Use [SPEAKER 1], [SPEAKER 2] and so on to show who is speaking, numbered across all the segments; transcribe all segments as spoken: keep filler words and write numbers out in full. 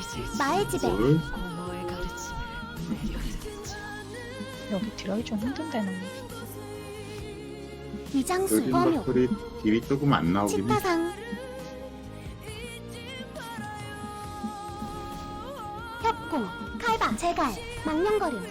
[SPEAKER 1] 마의 집에
[SPEAKER 2] 뭘?
[SPEAKER 3] 고모의 가르침을 내려드리지.
[SPEAKER 4] 여기 들어가기 좀 힘든데 나.
[SPEAKER 1] 위장술
[SPEAKER 2] 요즘
[SPEAKER 1] 범용
[SPEAKER 2] 막소리 딜이 조금 안 나오긴 해.
[SPEAKER 1] 치타상 협공 칼바 제갈 망령거림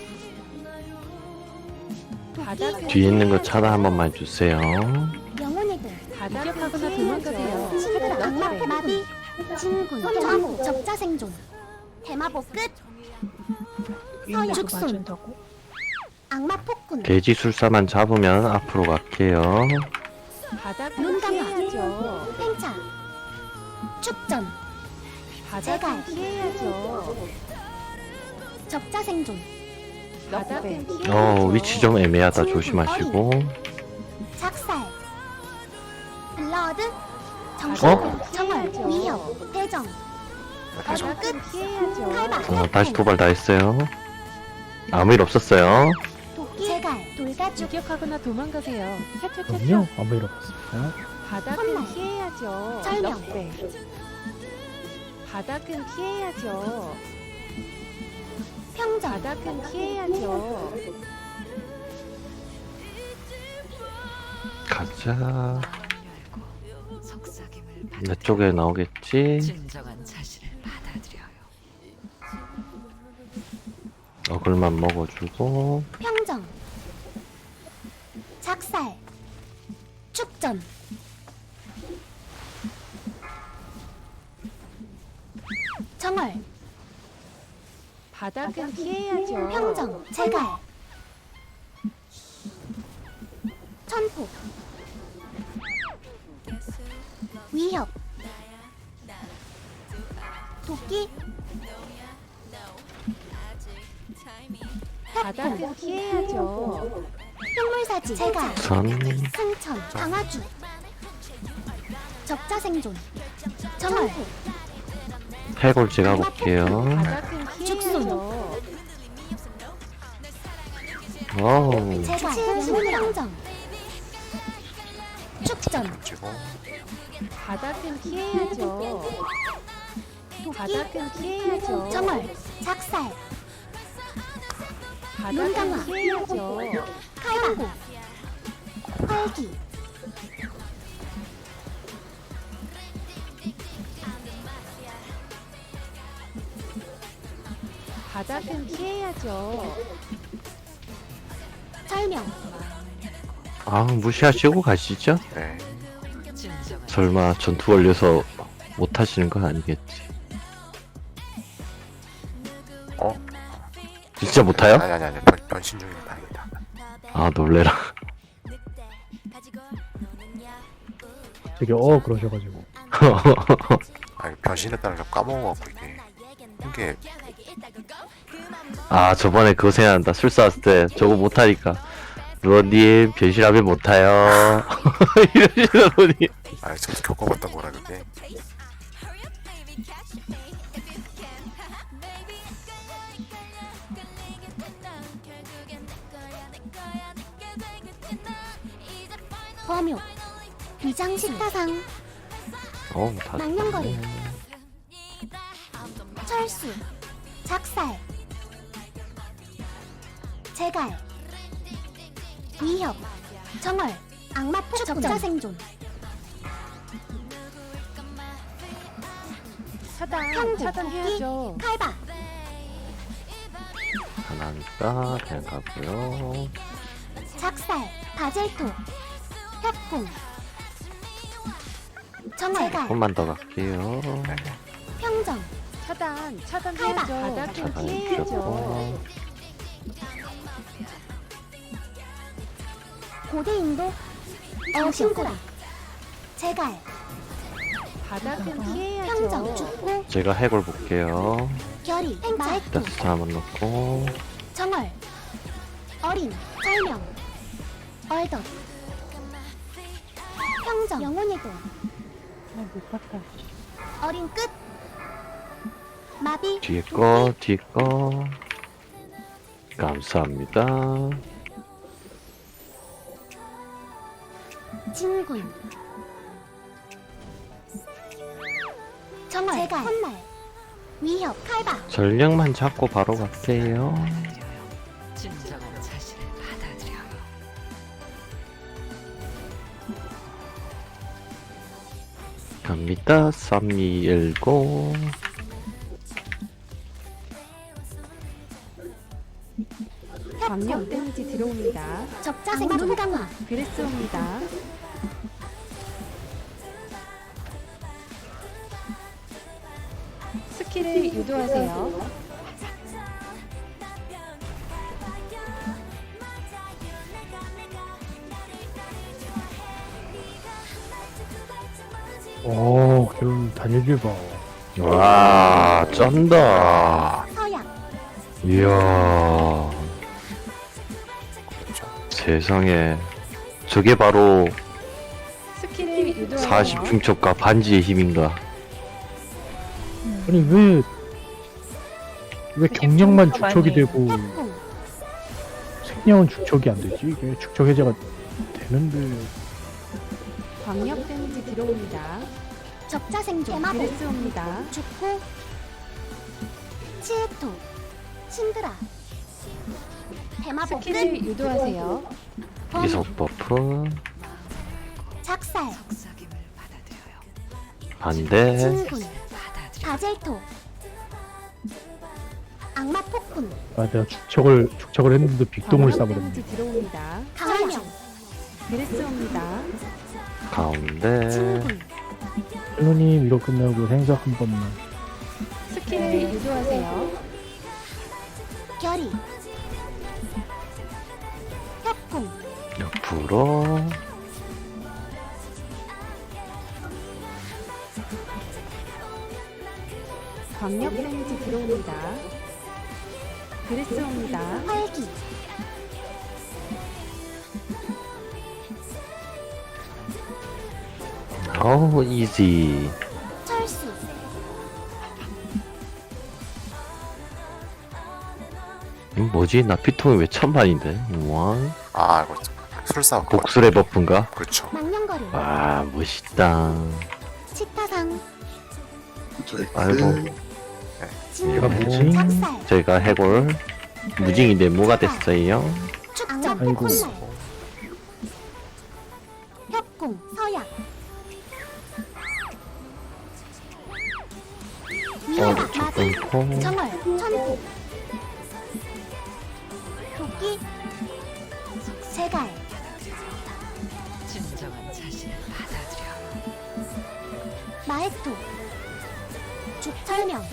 [SPEAKER 3] 바닥은
[SPEAKER 5] 뒤에 있는 거 차단 한 번만 주세요.
[SPEAKER 1] 영혼의 도
[SPEAKER 3] 바닥은 도망가세요.
[SPEAKER 1] 시그라 악마 마비 진군 점호 적자 생존 대마보 끝 서야
[SPEAKER 4] 죽
[SPEAKER 1] 죽순
[SPEAKER 4] 맞춘다고?
[SPEAKER 1] 악마 폭군
[SPEAKER 5] 돼지술사만 잡으면 앞으로 갈게요.
[SPEAKER 3] 바닥은
[SPEAKER 1] 눈 감아.
[SPEAKER 3] 피해야죠.
[SPEAKER 1] 팽차 축전
[SPEAKER 3] 바닥은 피해야죠.
[SPEAKER 1] 적자 생존
[SPEAKER 3] 바닥은 피해야죠.
[SPEAKER 5] 어, 위치 좀 애매하다. 조심하시고.
[SPEAKER 1] 작살 블러드
[SPEAKER 5] 어?
[SPEAKER 1] 정신 정월 위협 대정 어둠 끝
[SPEAKER 3] 바닥은 피해야죠.
[SPEAKER 1] 칼바
[SPEAKER 5] 어, 다시 도발 다 했어요. 아무 일 없었어요.
[SPEAKER 1] 도끼 제갈 돌가죽
[SPEAKER 3] 유격하거나 도망가세요.
[SPEAKER 6] 그럼요.
[SPEAKER 3] 튀튀튀튀.
[SPEAKER 6] 아무 일 없었습니다.
[SPEAKER 3] 바닥은
[SPEAKER 1] 선발.
[SPEAKER 3] 피해야죠.
[SPEAKER 1] 설명.
[SPEAKER 3] 넉배. 바닥은 피해야죠.
[SPEAKER 1] 평정
[SPEAKER 3] 바닥은 피해야죠.
[SPEAKER 5] 가자.
[SPEAKER 3] 속삭임을
[SPEAKER 5] 내 쪽에 나오겠지?
[SPEAKER 3] 진정한 자신을 받아들여요.
[SPEAKER 5] 어글만 먹어주고.
[SPEAKER 1] 평정 작살 축전 정월
[SPEAKER 3] 바닥은 피해야죠.
[SPEAKER 1] 평정 제갈 천포 위협 도끼
[SPEAKER 3] 바닥은 피해야죠.
[SPEAKER 1] 흉물사지 제갈
[SPEAKER 5] 선.
[SPEAKER 1] 승천 강화주 적자 생존 정월
[SPEAKER 5] 해골 제가 볼게요.
[SPEAKER 3] 바닥은 피해야죠.
[SPEAKER 5] 어우.
[SPEAKER 1] 제갈 평정 축전
[SPEAKER 3] 바닥은 피해야죠. 바닥은 피해야죠.
[SPEAKER 1] 정월 작살
[SPEAKER 3] 바닥은
[SPEAKER 1] 눈감아.
[SPEAKER 3] 피해야죠.
[SPEAKER 1] 칼바고 활기
[SPEAKER 3] 바닥은 피해야죠.
[SPEAKER 1] 설명
[SPEAKER 5] 아, 무시하시고 가시죠?
[SPEAKER 3] 진정한
[SPEAKER 5] 설마 전투 걸려서 못 하시는 건 아니겠지?
[SPEAKER 7] 어?
[SPEAKER 5] 진짜 못 타요?
[SPEAKER 7] 아니 아니 아니 변, 변신 중이라 다행이다.
[SPEAKER 5] 아, 놀래라.
[SPEAKER 6] 되게 어 그러셔가지고
[SPEAKER 7] 아니 변신했다는 걸 까먹어갖고 이게 이게
[SPEAKER 5] 아, 저번에 그거 생각난다. 술사 왔을 때 저거 못하니까. 루어님, 변신하면 못 타요. 이러시더니.
[SPEAKER 7] 아 저도 겪어봤던 거라 그게.
[SPEAKER 1] 범용 위장 식타상
[SPEAKER 5] 어우, 다.
[SPEAKER 1] 망령거리 철수 작살 제갈 위협 정월 악마 폭 적자 생존
[SPEAKER 3] 차단,
[SPEAKER 1] 평고
[SPEAKER 3] 차단해야죠.
[SPEAKER 1] 칼바
[SPEAKER 5] 하나니까 그냥 가고요.
[SPEAKER 1] 작살 바젤토 협공 정월 제갈
[SPEAKER 5] 조금만 더 갈게요.
[SPEAKER 1] 평정
[SPEAKER 3] 차단, 차단해야죠. 바닥은
[SPEAKER 5] 차단해
[SPEAKER 3] 피해야죠.
[SPEAKER 5] 주셨고.
[SPEAKER 1] 고대 인도 어신구라 제갈
[SPEAKER 3] 바닥은
[SPEAKER 1] 평정
[SPEAKER 3] 피해야죠.
[SPEAKER 1] 죽고
[SPEAKER 5] 제가 해골 볼게요.
[SPEAKER 1] 결이 마액도
[SPEAKER 5] 일단 스타 한번 넣고.
[SPEAKER 1] 정월 어린 설명 얼덧 평정 영혼의 도
[SPEAKER 4] 못 봤다.
[SPEAKER 1] 어린 끝 마비
[SPEAKER 5] 뒤에 거, 뒤에 거. 감사합니다.
[SPEAKER 1] 진군 정월 제갈 헛날 위협 칼바
[SPEAKER 5] 전력만 잡고 바로 갈게요.
[SPEAKER 8] 진정한 자신을 받아들여요.
[SPEAKER 5] 갑니다. 삼, 이, 일, 고.
[SPEAKER 3] 광역 데미지 들어옵니다.
[SPEAKER 1] 적자 생존 강화
[SPEAKER 3] 그레스 옵니다. 스킬을 유도하세요.
[SPEAKER 6] 오, 그럼 단일길 봐.
[SPEAKER 5] 와, 쩐다.
[SPEAKER 1] 서약
[SPEAKER 5] 이야, 세상에. 저게 바로
[SPEAKER 3] 스킬을 유도하세요.
[SPEAKER 5] 사십 중첩과 반지의 힘인가?
[SPEAKER 6] 아니, 왜, 왜 경력만
[SPEAKER 4] 많이
[SPEAKER 6] 축척이 되고,
[SPEAKER 1] 협공
[SPEAKER 6] 생명은 축척이 안 되지? 이게 축척 해제가 되는데.
[SPEAKER 3] 광역 데미지 들어옵니다.
[SPEAKER 1] 적자 생존 대마보
[SPEAKER 3] 그레스 옵니다.
[SPEAKER 1] 죽고 치에토 신드라 대마보 끝
[SPEAKER 3] 스킬을 유도하세요.
[SPEAKER 1] 범
[SPEAKER 5] 이속 버프,
[SPEAKER 1] 작살
[SPEAKER 8] 속삭임을 받아들여요.
[SPEAKER 5] 반대,
[SPEAKER 1] 진군
[SPEAKER 8] 받아들여.
[SPEAKER 1] 바젤토 악마 폭군
[SPEAKER 6] 아, 내가 축척을, 축척을 했는데 빅동을
[SPEAKER 3] 광역
[SPEAKER 6] 싸버렸네.
[SPEAKER 3] 데미지 들어옵니다.
[SPEAKER 1] 강화령
[SPEAKER 3] 그레스 옵니다.
[SPEAKER 5] 가운데,
[SPEAKER 1] 진군
[SPEAKER 6] 헬로님, 이거 끝나고 생석 한 번만.
[SPEAKER 3] 스킬을 유도하세요.
[SPEAKER 1] 결의 협공
[SPEAKER 5] 옆으로,
[SPEAKER 3] 광역 데미지 들어옵니다. 그레스 옵니다.
[SPEAKER 1] 활기
[SPEAKER 5] 어우, 이지.
[SPEAKER 1] 철수
[SPEAKER 5] 이거 뭐지? 나 피통이 왜 천만인데? 우와.
[SPEAKER 7] 아 이거 술사 그거
[SPEAKER 5] 복술의 버프인가?
[SPEAKER 7] 그렇죠.
[SPEAKER 1] 망령거림
[SPEAKER 5] 와, 멋있다.
[SPEAKER 1] 치타상
[SPEAKER 5] 아이고.
[SPEAKER 6] 제가
[SPEAKER 1] 진군
[SPEAKER 6] 뭐지?
[SPEAKER 1] 작살
[SPEAKER 5] 제가 해골 무징인데 뭐가 됐어요?
[SPEAKER 1] 축전
[SPEAKER 6] 아이고.
[SPEAKER 1] 콧날 협공 서약
[SPEAKER 5] 어,
[SPEAKER 1] 위협 마술
[SPEAKER 5] 조금 콩.
[SPEAKER 1] 정월 천포 도끼 세갈
[SPEAKER 8] 진정한 자신을 받아들여요.
[SPEAKER 1] 마에토 죽철명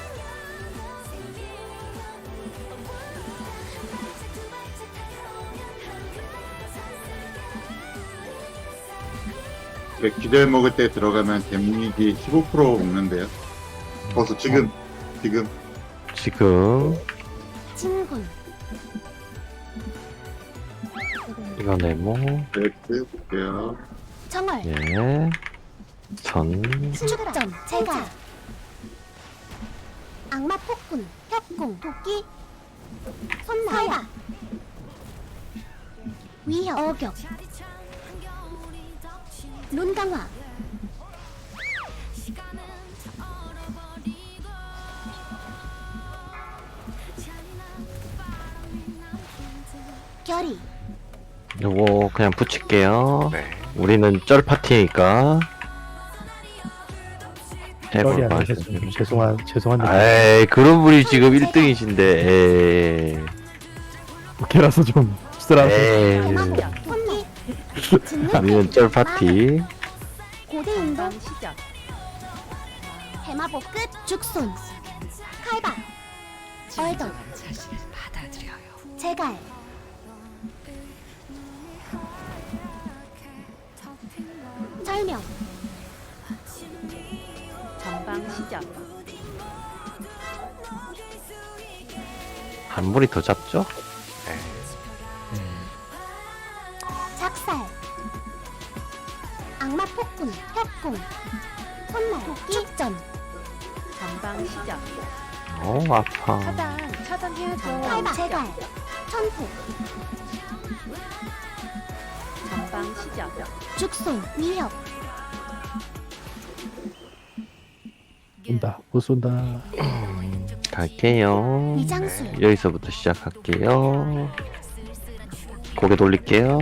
[SPEAKER 2] 기절 먹을 때 들어가면 데미지 십오 퍼센트 먹는데요. 벌써 지금 지금
[SPEAKER 5] 지금
[SPEAKER 1] 진군
[SPEAKER 5] 이거 네모.
[SPEAKER 2] 렉스 볼게요.
[SPEAKER 1] 정월
[SPEAKER 5] 예. 전.
[SPEAKER 1] 축전 제갈 악마 폭군 협공 도끼 손나야 위협 어격 룬강화 결의
[SPEAKER 5] 요거 그냥 붙일게요.
[SPEAKER 7] 네.
[SPEAKER 5] 우리는 쩔 파티니까.
[SPEAKER 6] 쩔이
[SPEAKER 5] 해볼
[SPEAKER 6] 아니셨으면
[SPEAKER 5] 맛.
[SPEAKER 6] 죄송한, 죄송한데.
[SPEAKER 5] 에이, 그런 분이 지금 일 등이신데, 에이.
[SPEAKER 6] 걔라서 좀, 씁쓸한.
[SPEAKER 5] 에이.
[SPEAKER 1] 손기
[SPEAKER 5] 우리는 쩔 파티.
[SPEAKER 1] 고대 인도
[SPEAKER 3] 방 시작.
[SPEAKER 1] 대마보 끝 죽순 칼바 얼더
[SPEAKER 8] 진정한 자신을 받아들여요.
[SPEAKER 1] 제갈 절명
[SPEAKER 3] 전방 시작.
[SPEAKER 5] 한 무리 더 잡죠?
[SPEAKER 7] 네.
[SPEAKER 1] 작살 악마 폭군 협공 손날 도끼 축전
[SPEAKER 3] 전방 시작.
[SPEAKER 5] 어, 아파.
[SPEAKER 3] 차단, 차단해야죠.
[SPEAKER 1] 칼바 제갈 천포
[SPEAKER 3] 전방 시작.
[SPEAKER 1] 죽순 위협
[SPEAKER 6] 쏜다. 못 쏜다.
[SPEAKER 5] 갈게요.
[SPEAKER 1] 위장술
[SPEAKER 5] 여기서부터 시작할게요. 고개 돌릴게요.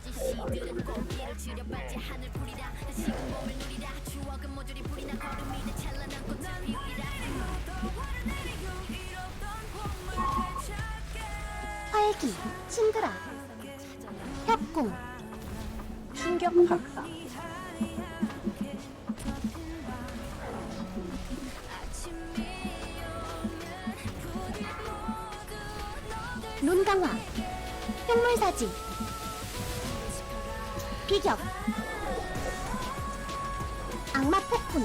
[SPEAKER 1] 활기 신드라 협공
[SPEAKER 3] 충격파.
[SPEAKER 1] 눈강화 흉물사지 비격 악마 폭군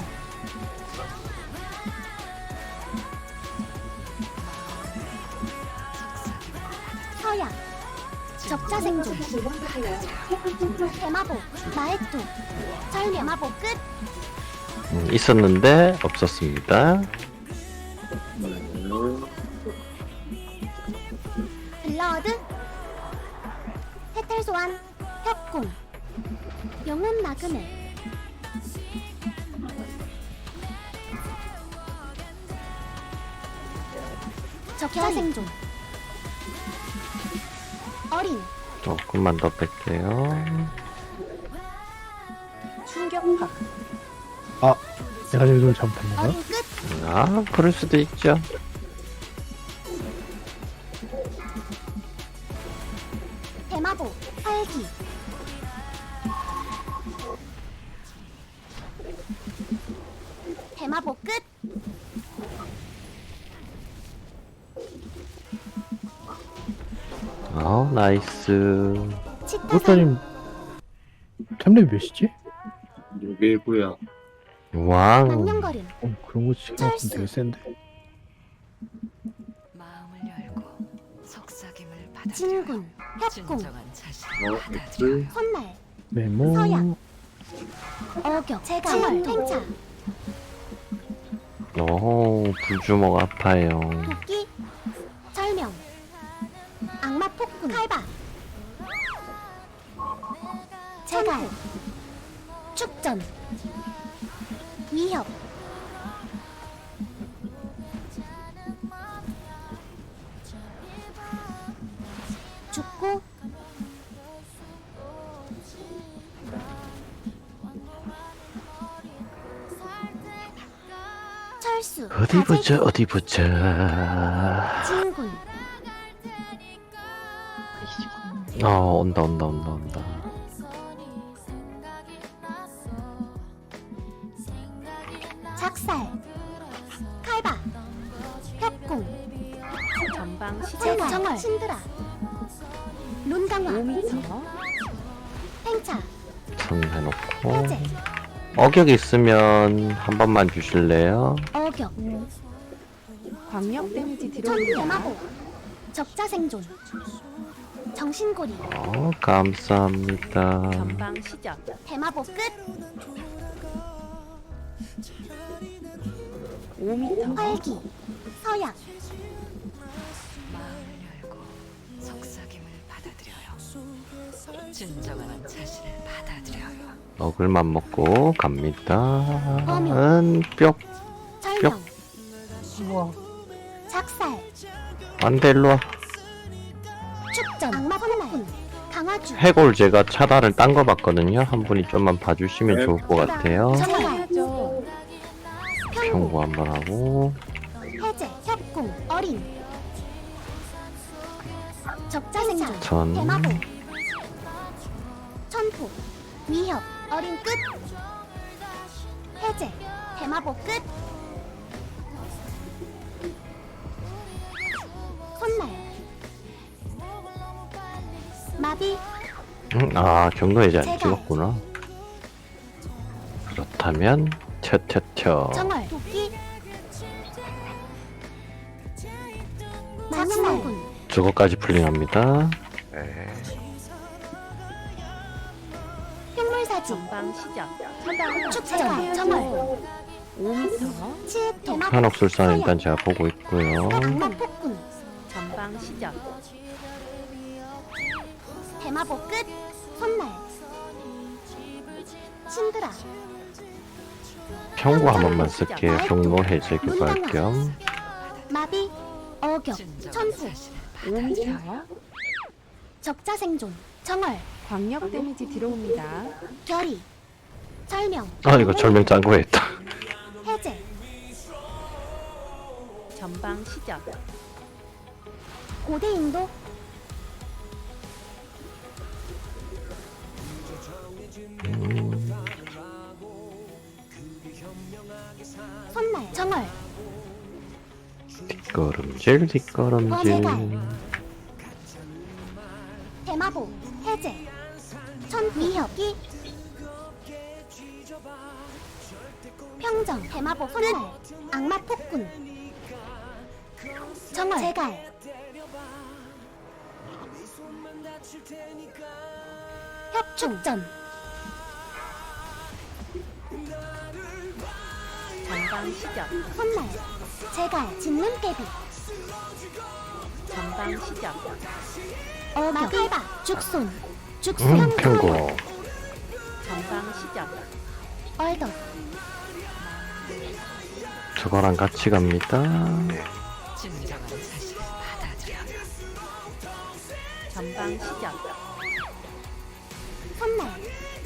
[SPEAKER 1] 서약 적자 생존 대마보 마액도 절 대마보 끝
[SPEAKER 5] 음, 있었는데 없었습니다.
[SPEAKER 1] 블러드 해탈 소환 협공 영혼 나그네 적자 생존 어린
[SPEAKER 5] 조금만 더 뺄게요.
[SPEAKER 3] 충격파.
[SPEAKER 6] 내가 저기서 잘못한 건가?
[SPEAKER 1] 어린 끝
[SPEAKER 5] 아, 그럴 수도 있죠.
[SPEAKER 1] 대마보 활기 대마보 끝
[SPEAKER 5] 아, 나이스.
[SPEAKER 1] 치타산
[SPEAKER 6] 꿀따님 템레이 몇이지?
[SPEAKER 2] 육일구요.
[SPEAKER 5] 왕.
[SPEAKER 1] 망령거림
[SPEAKER 6] 어, 그런 거 치면
[SPEAKER 1] 철수.
[SPEAKER 6] 되게 센데.
[SPEAKER 8] 마음을 열고 속삭임을 받아들여요.
[SPEAKER 1] 진군 협공
[SPEAKER 8] 진정한 자신을
[SPEAKER 2] 어,
[SPEAKER 8] 받아들여요.
[SPEAKER 2] X.
[SPEAKER 1] 혼날
[SPEAKER 6] 메모.
[SPEAKER 1] 서약. 어격 제갈 팽차
[SPEAKER 5] 오, 불주먹 아파요.
[SPEAKER 1] 도끼 절명 악마 폭군 칼바 제갈 축전 위협 죽고 철수
[SPEAKER 5] 어디 보자, 어디 보자.
[SPEAKER 1] 진군
[SPEAKER 5] 어, 온다, 온다, 온다, 온다.
[SPEAKER 1] 작살 칼바 협공
[SPEAKER 3] 전방 시작.
[SPEAKER 1] 제갈 정월 신드라 룬강화
[SPEAKER 3] 오 미터.
[SPEAKER 1] 팽차
[SPEAKER 5] 천 해놓고.
[SPEAKER 1] 해제
[SPEAKER 5] 어격 있으면 한 번만 주실래요?
[SPEAKER 1] 어격
[SPEAKER 3] 광역 데미지
[SPEAKER 1] 천
[SPEAKER 3] 들어옵니다.
[SPEAKER 1] 대마보 적자 생존 정신고리
[SPEAKER 5] 어, 감사합니다.
[SPEAKER 3] 전방 시작.
[SPEAKER 1] 대마보 끝
[SPEAKER 3] 오 미터.
[SPEAKER 1] 활기 서약
[SPEAKER 8] 마음을 열고 속삭임을 받아들여요. 진정한 자신을 받아들여요.
[SPEAKER 5] 어글만 먹고 갑니다.
[SPEAKER 1] 어명.
[SPEAKER 5] 은, 뿅.
[SPEAKER 1] 절명 작살
[SPEAKER 5] 안 돼, 일로와.
[SPEAKER 1] 축전 악마 폭군 강화주
[SPEAKER 5] 해골 제가 차단을 딴 거 봤거든요. 한 분이 좀만 봐주시면
[SPEAKER 2] 네.
[SPEAKER 5] 좋을 것 같아요.
[SPEAKER 1] 정월
[SPEAKER 3] 해야죠.
[SPEAKER 1] 평고
[SPEAKER 5] 경고 한 번 하고.
[SPEAKER 1] 해제 협공 어린 적자 생존
[SPEAKER 5] 전.
[SPEAKER 1] 대마보 천포 위협 어린 끝 해제 대마보 끝 손날 마비
[SPEAKER 5] 음, 아, 경로 해제 안
[SPEAKER 1] 제가.
[SPEAKER 5] 찍었구나. 그렇다면, 텨텨텨.
[SPEAKER 1] 정월 도끼 망령군
[SPEAKER 5] 저거까지 풀링합니다.
[SPEAKER 7] 네.
[SPEAKER 1] 흉물사지
[SPEAKER 3] 전방 시작. 차단.
[SPEAKER 1] 축전 정월
[SPEAKER 3] 오 미터.
[SPEAKER 1] 치읓 대마보
[SPEAKER 5] 현혹술사는 일단 제가 보고 있고요.
[SPEAKER 1] 악마 폭군
[SPEAKER 3] 전방 시작.
[SPEAKER 1] 대마보 끝 손날 신드라
[SPEAKER 5] 경고 한 번만 쓸게요. 경로 해제 교발 겸.
[SPEAKER 1] 마비, 어격,
[SPEAKER 8] 진정한
[SPEAKER 1] 천수,
[SPEAKER 8] 자신을
[SPEAKER 3] 옴서
[SPEAKER 1] 적자 생존, 정월,
[SPEAKER 3] 광역 데미지 들어옵니다.
[SPEAKER 1] 결의, 설명,
[SPEAKER 5] 아 이거 절명 짠 거였다.
[SPEAKER 1] 해제,
[SPEAKER 3] 전방 시작.
[SPEAKER 1] 고대 인도, 손날, 정월,
[SPEAKER 5] 뒷걸음질 뒷걸음질.
[SPEAKER 1] 대마보, 해제, 천 위협기, 평정, 대마보, 손날, 악마 폭군, 정월, 제갈, 협축전,
[SPEAKER 3] 전방 시작.
[SPEAKER 1] 손날, 제갈, 짖는 깨비,
[SPEAKER 3] 전방 시작.
[SPEAKER 1] 어격, 칼바, 죽손, 죽손,
[SPEAKER 5] 음 평고.
[SPEAKER 3] 전방 시작.
[SPEAKER 1] 얼덕,
[SPEAKER 5] 저거랑 같이 갑니다.
[SPEAKER 8] 진정한 사실을 받아들여요.
[SPEAKER 3] 전방 시작.
[SPEAKER 1] 손날,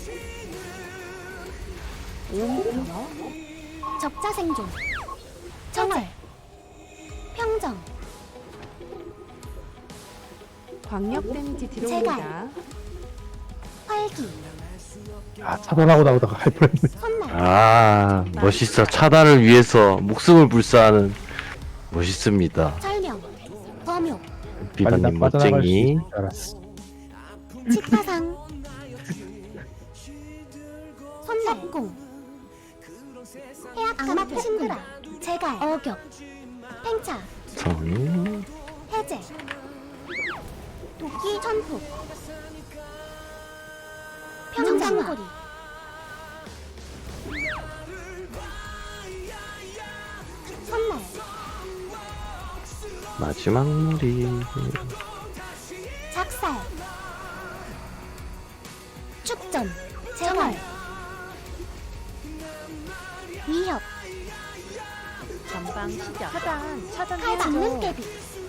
[SPEAKER 3] 옴서
[SPEAKER 1] 적자 생존, 정월, 평정,
[SPEAKER 3] 광역 데미지 들어옵니다.
[SPEAKER 1] 활기,
[SPEAKER 6] 아 차단하고 나오다가 할 뻔했네.
[SPEAKER 1] 손날,
[SPEAKER 5] 아 멋있어. 차단을 위해서 목숨을 불사하는 멋있습니다.
[SPEAKER 1] 설명, 범용,
[SPEAKER 5] 비바님
[SPEAKER 6] 빠져나갈 수
[SPEAKER 5] 멋쟁이.
[SPEAKER 6] 있을 줄 알았어.
[SPEAKER 1] 치타상, 손날공, 해악 악마 신드라, 제갈, 어격, 팽차,
[SPEAKER 5] 성.
[SPEAKER 1] 해제, 도끼 천폭, 평장고리, 손날,
[SPEAKER 5] 마지막 무리.
[SPEAKER 1] 작살, 축전, 제월, 위협,
[SPEAKER 3] 전방 시작. 차단 차단
[SPEAKER 1] 칼 잡는
[SPEAKER 3] 해야죠.
[SPEAKER 1] 깨비,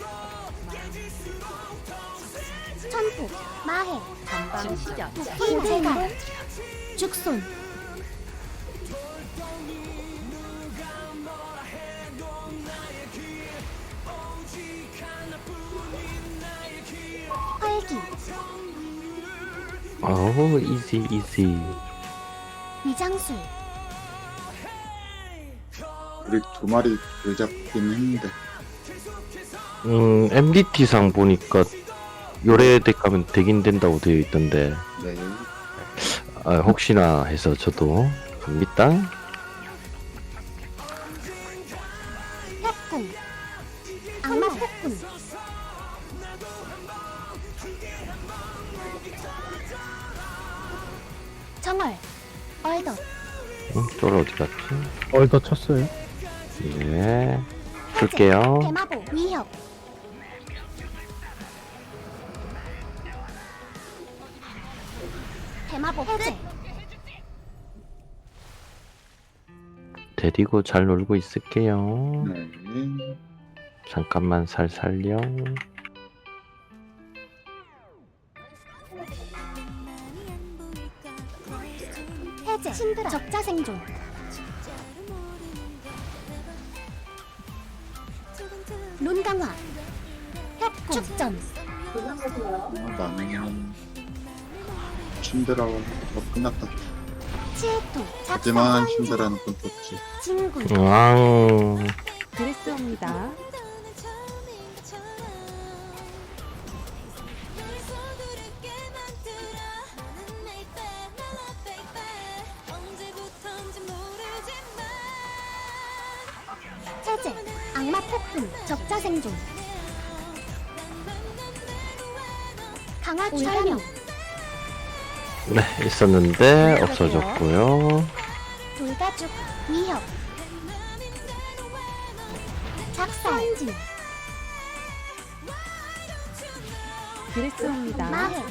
[SPEAKER 1] 천폭, 마해,
[SPEAKER 3] 전방 시작.
[SPEAKER 1] 도끼 제갈, 죽손, 활기,
[SPEAKER 5] 어우 이지 이지.
[SPEAKER 1] 위장술,
[SPEAKER 2] 우리 두 마리 들 잡긴 했는데
[SPEAKER 5] 음 엠디티상 보니까 요래덱 가면 되긴 된다고 되어 있던데.
[SPEAKER 2] 네.
[SPEAKER 5] 아, 혹시나 해서 저도 갑니다.
[SPEAKER 1] 협공, 악마 폭군, 정월, 얼덕,
[SPEAKER 5] 응, 쫄 어디 갔지?
[SPEAKER 6] 얼더 쳤어요.
[SPEAKER 5] 네. 풀게요.
[SPEAKER 1] 대마보, 위협, 대마보 해제,
[SPEAKER 5] 데리고 잘 놀고 있을게요.
[SPEAKER 2] 네.
[SPEAKER 5] 잠깐만 살살요.
[SPEAKER 1] 해제, 신드라, 적자 생존, 룬 강화, 협공, 축전,
[SPEAKER 2] 아, 나는 신드라고 끝났다.
[SPEAKER 1] 치에토,
[SPEAKER 2] 하지만
[SPEAKER 1] 작사,
[SPEAKER 2] 신드라는 건 좋지.
[SPEAKER 1] 진군,
[SPEAKER 5] 왕.
[SPEAKER 3] 드레스옵니다.
[SPEAKER 1] 해제, 악마 폭풍, 적자 생존, 강화 설명,
[SPEAKER 5] 네, 있었는데 없어졌고요.
[SPEAKER 1] 돌가죽, 위협, 작살, 진,
[SPEAKER 3] 드레스옵니다.
[SPEAKER 1] 마해,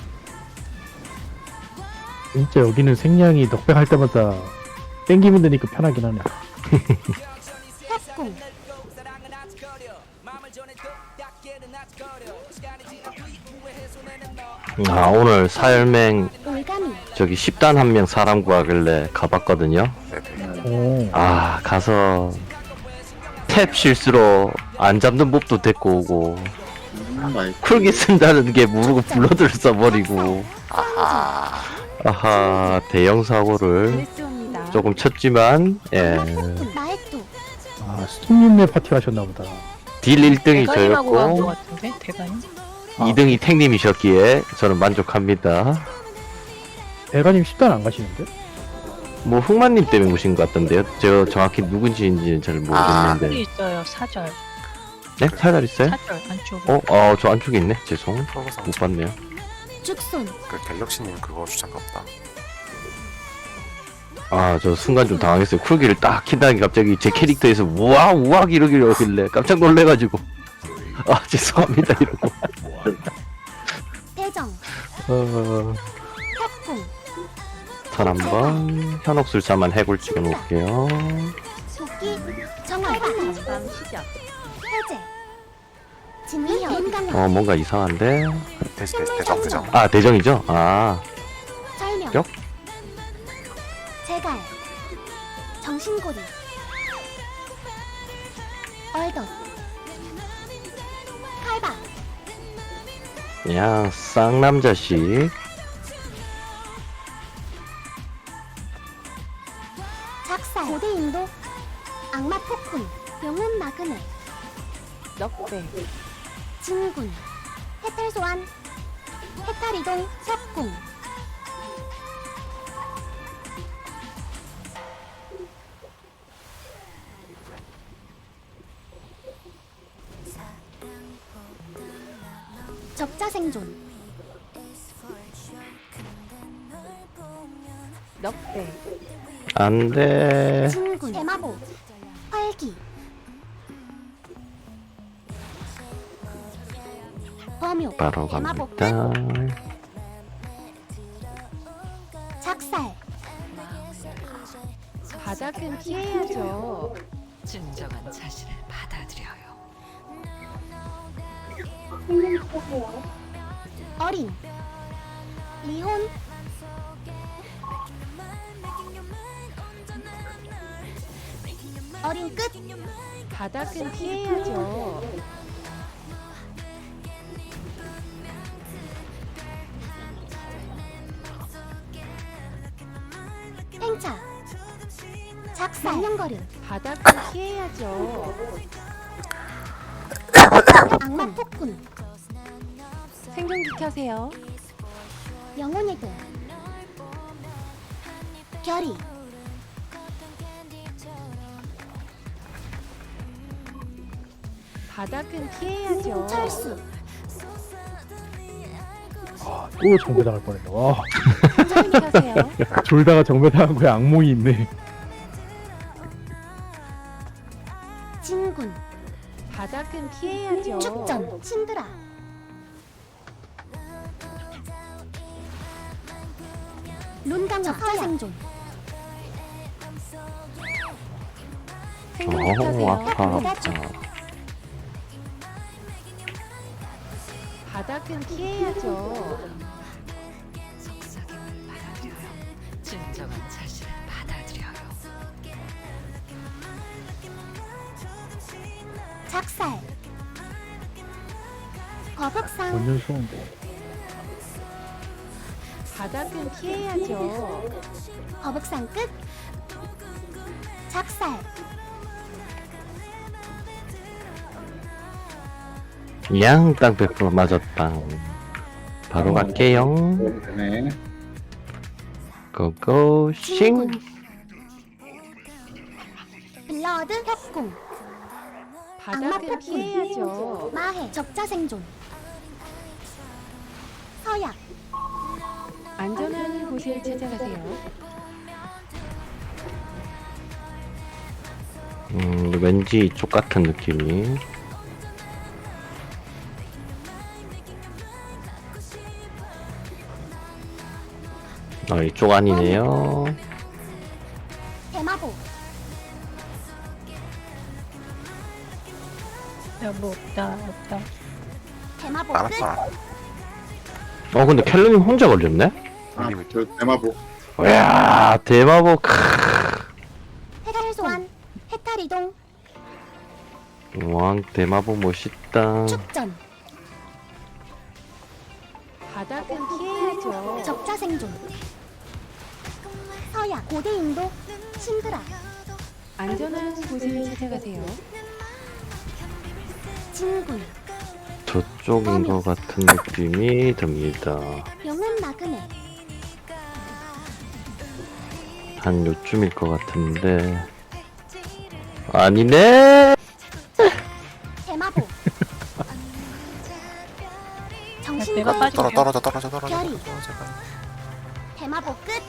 [SPEAKER 6] 진짜 여기는 생량이 넉백할 때마다 땡기면 되니까 편하긴 하네.
[SPEAKER 1] 협공.
[SPEAKER 5] 아 오늘 사열맹
[SPEAKER 1] 올가미.
[SPEAKER 5] 저기 십 단 한 명 사람 구하길래 가봤거든요.
[SPEAKER 7] 네네.
[SPEAKER 6] 오.
[SPEAKER 5] 아 가서 탭 실수로 안 잡는 몹도 데리고 오고
[SPEAKER 2] 음, 맛있-
[SPEAKER 5] 쿨기 쓴다는 게 모르고 블러드를 써버리고
[SPEAKER 7] 아하.
[SPEAKER 5] 아하 대형 사고를
[SPEAKER 3] 드레스옵니다.
[SPEAKER 5] 조금 쳤지만 예
[SPEAKER 1] 폭군. 마에또.
[SPEAKER 6] 아, 스톰님네 파티 하셨나 보다.
[SPEAKER 5] 딜 일 등이
[SPEAKER 4] 대가님하고 간것
[SPEAKER 5] 저였고
[SPEAKER 4] 같은데 대가님?
[SPEAKER 5] 이 등이 탱님이셨기에 저는 만족합니다.
[SPEAKER 6] 대가님 십 단 안 가시는데?
[SPEAKER 5] 뭐 흑마님 때문에 오신 것 같던데요. 제가 정확히 누군지는 잘
[SPEAKER 4] 사절이
[SPEAKER 5] 모르겠는데
[SPEAKER 4] 있어요. 사절.
[SPEAKER 5] 네? 살살 있어요?
[SPEAKER 4] 사절 안쪽에.
[SPEAKER 5] 어? 어 저 안쪽에 있네. 죄송
[SPEAKER 7] 프로그상
[SPEAKER 5] 못 봤네요.
[SPEAKER 1] 죽손.
[SPEAKER 7] 그 갤럭시님 그거 주장가 보다.
[SPEAKER 5] 아 저 순간 좀 당황했어요. 쿨기를 딱 킨다니 갑자기 제 캐릭터에서 우와 우와 이러길래 하길래 깜짝 놀래가지고 아 죄송합니다 이러고
[SPEAKER 1] 대정.
[SPEAKER 5] 어...
[SPEAKER 1] 협공.
[SPEAKER 5] 턴 한번 현혹술사만 해골 찍어놓을게요.
[SPEAKER 1] 도끼. 정화.
[SPEAKER 3] 전방 시작.
[SPEAKER 1] 해제. 진위형. 윤강력.
[SPEAKER 5] 어 뭔가 이상한데
[SPEAKER 7] 대시 대시 대정 대정.
[SPEAKER 5] 아 대정이죠? 아
[SPEAKER 1] 설명.
[SPEAKER 5] 역?
[SPEAKER 1] 제갈. 정신고리. 얼덧. 칼바.
[SPEAKER 5] 그냥 쌍남자식
[SPEAKER 1] 작살. 고대인도. 악마 폭군. 영혼 마그네.
[SPEAKER 3] 넉배.
[SPEAKER 1] 진군. 해탈 소환. 해탈 이동. 협공. 적자 생존.
[SPEAKER 3] 넉배.
[SPEAKER 5] 안돼.
[SPEAKER 1] 진군. 대마보. 활기. 범용.
[SPEAKER 5] 바로
[SPEAKER 1] 대마보.
[SPEAKER 5] 갑니다.
[SPEAKER 1] 작살.
[SPEAKER 3] 바닥은 피해야죠.
[SPEAKER 8] 진정한 자신을 받아들여요.
[SPEAKER 1] 어린. 리혼. 어린 끝.
[SPEAKER 3] 바닥은 피해야죠.
[SPEAKER 1] 팽차. 작살. 명령거림.
[SPEAKER 3] 바닥은 피해야죠.
[SPEAKER 1] 악마 폭군.
[SPEAKER 3] 생존기 켜세요.
[SPEAKER 1] 영혼의 도. 결의.
[SPEAKER 3] 바닥은 피해야죠.
[SPEAKER 1] 철수.
[SPEAKER 6] 아, 또 정배 당할 뻔했네. 와,
[SPEAKER 3] 생존기 켜세요.
[SPEAKER 6] 졸다가 정배 당한 거에 악몽이 있네.
[SPEAKER 1] 진군.
[SPEAKER 3] 바닥은 피해야죠.
[SPEAKER 1] 축전. 신드라. 룬강 적자 생존.
[SPEAKER 3] 생존기
[SPEAKER 5] 어
[SPEAKER 3] 켜세요.
[SPEAKER 5] 아파 아파.
[SPEAKER 3] 바닥은 피해야죠.
[SPEAKER 8] 속삭임을 받아들여요. 진정한 자신을 받아들여요.
[SPEAKER 1] 작살. 거북상.
[SPEAKER 6] 완전 수험.
[SPEAKER 3] 바닥은 피해야죠.
[SPEAKER 1] 거북상 끝. 작살.
[SPEAKER 5] 양 땅 백 퍼센트 맞았다. 바로 갈게요.
[SPEAKER 2] 네.
[SPEAKER 5] 고고싱.
[SPEAKER 1] 진군. 블러드 협공. 악마
[SPEAKER 3] 바닥은
[SPEAKER 1] 폭군.
[SPEAKER 3] 피해야죠.
[SPEAKER 1] 마해. 적자 생존. 서약.
[SPEAKER 3] 안전한 곳을 찾아가세요.
[SPEAKER 5] 음 왠지 이쪽 같은 느낌이. 아 이쪽 아니네요.
[SPEAKER 1] 대마보.
[SPEAKER 4] 야뭐 없다 없다.
[SPEAKER 1] 대마보 끝.
[SPEAKER 7] 알았다.
[SPEAKER 5] 어 근데 켈러님 혼자 걸렸네?
[SPEAKER 2] 아, 저 대마보.
[SPEAKER 5] 이야 대마보 크.
[SPEAKER 1] 해탈 소환. 해탈 이동.
[SPEAKER 5] 왕 대마보 멋있다.
[SPEAKER 1] 축전.
[SPEAKER 3] 바닥은 피해야죠.
[SPEAKER 1] 적자 생존. 서야 고대 인도. 신드라.
[SPEAKER 3] 안전한 곳을 찾아가세요.
[SPEAKER 1] 진군.
[SPEAKER 5] 저쪽인 것 같은 느낌이 듭니다.
[SPEAKER 1] 영혼 나그네.
[SPEAKER 5] 한 요쯤일 것 같은데 아니네.
[SPEAKER 1] 대마보.
[SPEAKER 4] 내가
[SPEAKER 1] 정신과
[SPEAKER 4] 빠질게.
[SPEAKER 7] 떨어 떨어져 떨어져 떨어져.
[SPEAKER 1] 별이.
[SPEAKER 7] 떨어져, 제발.
[SPEAKER 1] 대마보 끝.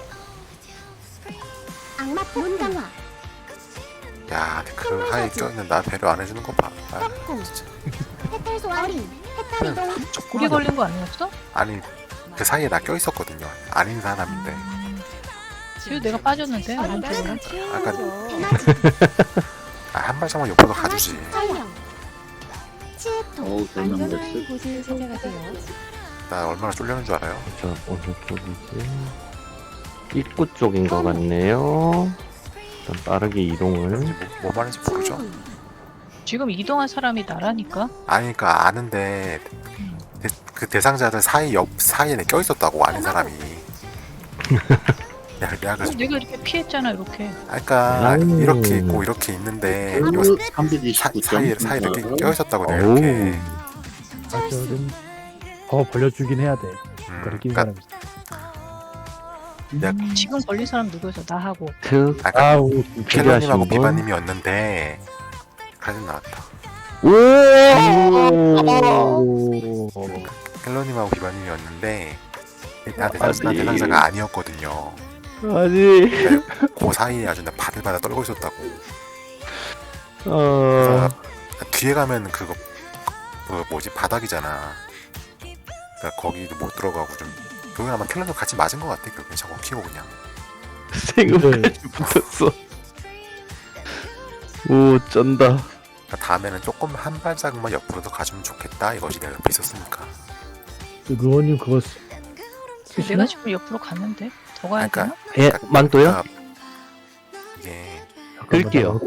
[SPEAKER 1] 악마 문강화.
[SPEAKER 7] 야, 근데 그 하에 껴있는 나 배려 안 해주는 거 봐. 아,
[SPEAKER 1] 떡궁.
[SPEAKER 7] 진짜.
[SPEAKER 1] 해탈 소환. 어린. 해탈 이동.
[SPEAKER 4] 고개 걸린 거 아니었어?
[SPEAKER 7] 아니 그 사이에 나 껴있었거든요. 아닌 사람인데.
[SPEAKER 4] 그래도 내가 빠졌는데 오른쪽으로.
[SPEAKER 3] 바닥은 피해야죠.
[SPEAKER 1] 대낮이.
[SPEAKER 7] 아, 한 발짝만 옆으로 가주지.
[SPEAKER 1] 설명. 치에토.
[SPEAKER 2] 어우, 설명
[SPEAKER 3] 안전한
[SPEAKER 2] 됐어.
[SPEAKER 3] 곳을 찾아가세요.
[SPEAKER 7] 나 얼마나 쫄려는 줄 알아요?
[SPEAKER 5] 자 어느 쪽이지? 입구 쪽인 것 같네요. 일단 빠르게 이동을.
[SPEAKER 7] 뭐, 뭐 말인지 모르죠?
[SPEAKER 1] 진군.
[SPEAKER 4] 지금 이동한 사람이 나라니까.
[SPEAKER 7] 아니 그니까 아는데 대, 그 대상자들 사이 옆 사이에 내 껴있었다고 아는 사람이. 야, 내가 그래서
[SPEAKER 4] 내가 이렇게 피했잖아 이렇게.
[SPEAKER 7] 그러니까
[SPEAKER 5] 음.
[SPEAKER 7] 이렇게 있고 이렇게 있는데 요 사,
[SPEAKER 2] 삼백이십구 점.
[SPEAKER 7] 사이에 사이에 이렇게 껴있었다고 내가
[SPEAKER 5] 어우.
[SPEAKER 7] 이렇게.
[SPEAKER 6] 사실은 더 벌려주긴 해야 돼.
[SPEAKER 7] 음,
[SPEAKER 6] 그렇게 낀
[SPEAKER 7] 그러니까
[SPEAKER 6] 사람이.
[SPEAKER 7] 내가
[SPEAKER 4] 지금 걸린 사람 누구였어? 나하고.
[SPEAKER 5] 특
[SPEAKER 7] 아까
[SPEAKER 6] 아우
[SPEAKER 7] 켈러님하고
[SPEAKER 5] 필요하신 분?
[SPEAKER 7] 비바님이었는데 카진 나왔다.
[SPEAKER 5] 오.
[SPEAKER 7] 켈러님하고 비바님이었는데 나 대상, 나
[SPEAKER 5] 아니.
[SPEAKER 7] 대상자가 아니었거든요.
[SPEAKER 5] 아니.
[SPEAKER 7] 그 사이에 아주 나 바들바들 떨고 있었다고.
[SPEAKER 5] 어.
[SPEAKER 7] 그래서 뒤에 가면 그거 그 뭐지 바닥이잖아. 그러니까 거기도 못 들어가고 좀 그건 아마 켈러님 같이 맞은 것 같아. 그냥 자꾸 키고 그냥.
[SPEAKER 5] 생각까지 붙었어. 오 쩐다.
[SPEAKER 7] 그러니까 다음에는 조금 한 발짝만 옆으로 더 가주면 좋겠다 이것이 내가 옆에 있었으니까.
[SPEAKER 6] 루어님 그거 쓰- 쓰시나?
[SPEAKER 4] 내가 지금 옆으로 갔는데 더 가야 되나?
[SPEAKER 7] 그러니까
[SPEAKER 5] 예 만또요?
[SPEAKER 7] 그러니까 이게
[SPEAKER 5] 끌게요.